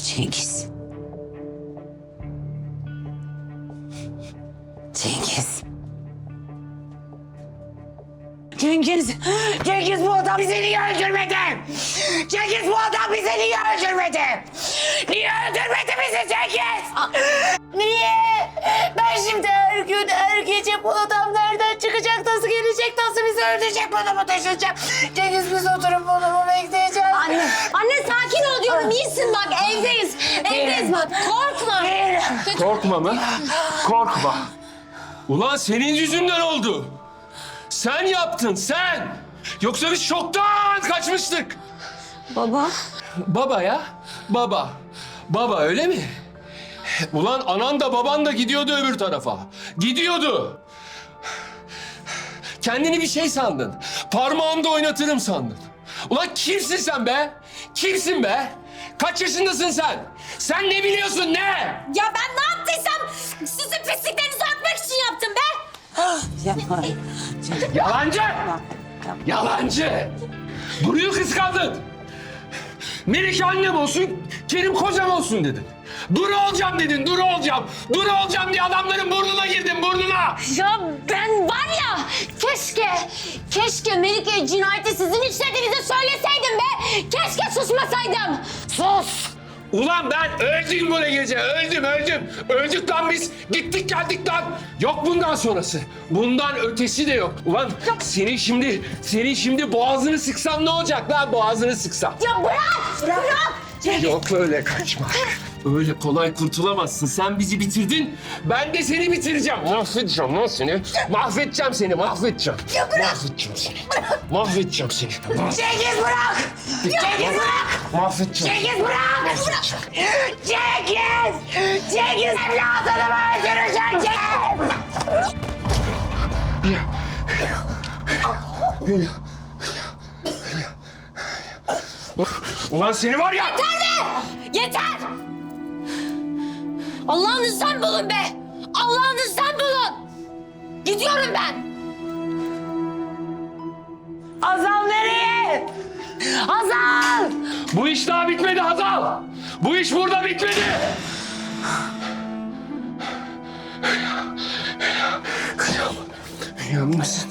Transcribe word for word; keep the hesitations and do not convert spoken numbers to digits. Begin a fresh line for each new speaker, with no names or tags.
Cengiz. Cengiz. Cengiz. Cengiz bu adam bizi niye öldürmedi? Cengiz bu adam bizi niye öldürmedi? Niye öldürmedi bizi Cengiz? Niye? Ben şimdi her gün her gece bu adam nereden çıkacak, nasıl gelecek, nasıl bizi öldürecek, bunu mu taşıyacak? Cengiz biz oturup bunu mu bekleyeceğiz?
Anne, anne sakin ol diyorum. İyisin bak, evdeyiz. Evdeyiz bak, korkma.
Korkma mı? Korkma. Ulan senin yüzünden oldu. Sen yaptın, sen. Yoksa biz şoktan kaçmıştık.
Baba.
Baba ya, baba. Baba öyle mi? Ulan anan da baban da gidiyordu öbür tarafa. Gidiyordu. Kendini bir şey sandın. Parmağımda oynatırım sandın. Ulan kimsin sen be? Kimsin be? Kaç yaşındasın sen? Sen ne biliyorsun ne?
Ya ben ne yaptıysam sizin pisliklerinizi örtmek için yaptım be.
Yapma.
Yalancı! Yalancı! Duru'yu kıskandın. Melike annem olsun, Kerim kocam olsun dedin. Duru olacağım dedin, Duru olacağım. Duru olacağım diye adamların burnuna girdin, burnuna.
Ya ben var ya, keşke, keşke Melike'ye cinayeti sizin işlediğinizi söyleseydim be. Keşke susmasaydım.
Sus! Ulan ben öldüm bu gece, öldüm, öldüm. Öldük lan biz, gittik geldik lan. Yok bundan sonrası. Bundan ötesi de yok. Ulan senin şimdi, senin şimdi boğazını sıksam ne olacak lan? Boğazını sıksam.
Ya bırak, bırak.
Yok öyle kaçma. Öyle kolay kurtulamazsın. Sen bizi bitirdin. Ben de seni bitireceğim. Mahvedeceğim lan seni. Mahvedeceğim seni. Mahvedeceğim.
Ya bırak.
Mahvedeceğim seni. Mahvedeceğim seni.
Cengiz bırak. Cengiz bırak.
Mahvedeceğim.
Cengiz bırak. Cengiz. Cengiz evladını mı öldüreceksin Cengiz?
Ulan seni var ya.
Yeter be! Yeter! Allah'ınızdan bulun be! Allah'ınızdan bulun! Gidiyorum ben!
Hazal nereye? Hazal.
Bu iş daha bitmedi Hazal. Bu iş burada bitmedi. Yalnız.